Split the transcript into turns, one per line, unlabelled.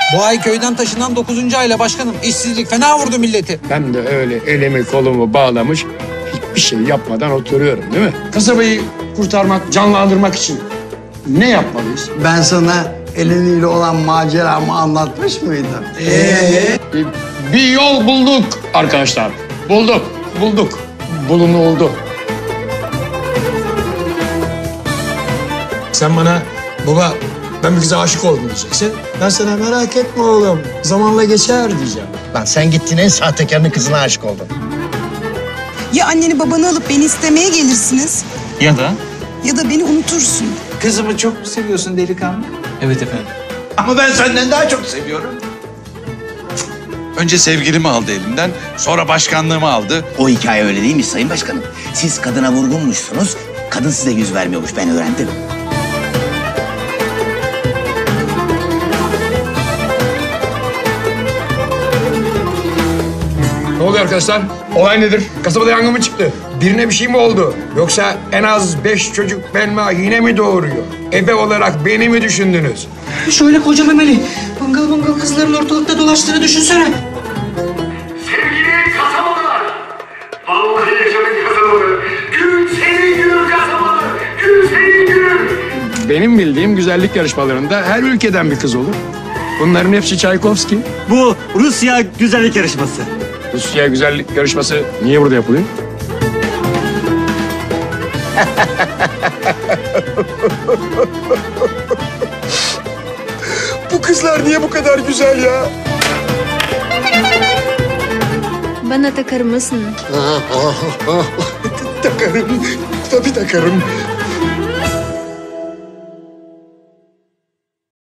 Bu ay köyden taşınan 9. ayla başkanım. İşsizlik fena vurdu milleti.
Ben de öyle elimi kolumu bağlamış hiçbir şey yapmadan oturuyorum değil mi? Kasabayı kurtarmak, canlandırmak için ne yapmalıyız?
Ben sana Eleni'yle olan maceramı anlatmış mıydım?
Bir yol bulduk arkadaşlar. Bulduk. Bulunuldu.
Sen bana baba ben bir kıza aşık oldum diyeceksin. Ben sana merak etme oğlum zamanla geçer diyeceğim.
Lan sen gittin en sahtekarının kızına aşık oldun.
Ya anneni babanı alıp beni istemeye gelirsiniz
Ya da?
ya da beni unutursun.
Kızımı çok mu seviyorsun delikanlı?
Evet efendim.
Ama ben senden daha çok seviyorum. Önce sevgilimi aldı elimden, sonra başkanlığımı aldı.
O hikaye öyle değil mi Sayın Başkanım? Siz kadına vurgunmuşsunuz, kadın size yüz vermiyormuş, ben öğrendim.
Ne oluyor arkadaşlar? Olay nedir? Kasabada yangın mı çıktı? Birine bir şey mi oldu? Yoksa en az 5 çocuk Belma yine mi doğuruyor? Ebe olarak beni mi düşündünüz?
Şöyle koca memeli, bangıl kızların ortalıkta dolaştığını düşünsene.
Sevgili kasabalılar, vallahi yaşadık kasabalı. Gün senin günün kasabalı, gün senin günün.
Benim bildiğim güzellik yarışmalarında her ülkeden bir kız olur. Bunların hepsi Çaykovski.
Bu Rusya güzellik yarışması.
Rusya güzellik yarışması niye burada yapılıyor? Bu kızlar niye bu kadar güzel ya?
Bana takar mısın?
Takarım. Tabii takarım.